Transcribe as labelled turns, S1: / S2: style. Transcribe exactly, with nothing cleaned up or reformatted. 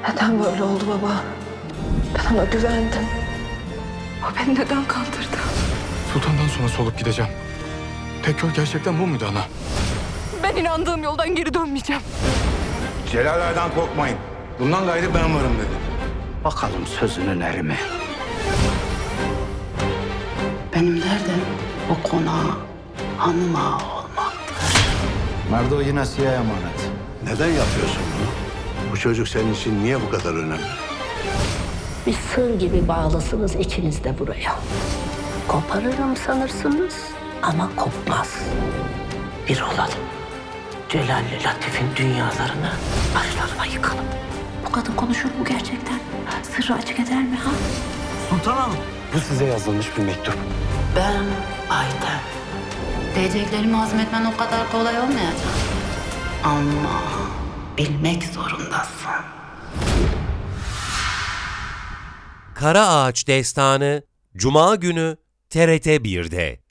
S1: Neden böyle oldu baba? Ben ona güvendim. O beni neden kandırdı?
S2: Sultan'dan sonra solup gideceğim. Tek yol gerçekten bu muydu ana?
S1: Ben inandığım yoldan geri dönmeyeceğim.
S3: Celal Ağa'dan korkmayın. Bundan gayrı ben varım dedi.
S4: Bakalım sözünün eri mi? Benim derdim bu konağa hanım ağa olmaktır.
S3: Merdo yine siyah emanet.
S5: Neden yapıyorsun bunu? Bu çocuk senin için niye bu kadar önemli?
S6: Bir sır gibi bağlısınız ikiniz de buraya. Koparırım sanırsınız ama kopmaz. Bir olalım. Celal'le Latif'in dünyalarını başlarına yıkalım. Bu kadın konuşur mu gerçekten? Sırrı açık eder mi ha?
S2: Bu size yazılmış bir mektup.
S6: Ben Ayten.
S7: Diyeceklerimi hazmetmen o kadar kolay olmayacak.
S6: Ama bilmek zorundasın.
S8: Kara Ağaç Destanı Cuma günü T R T bir'de.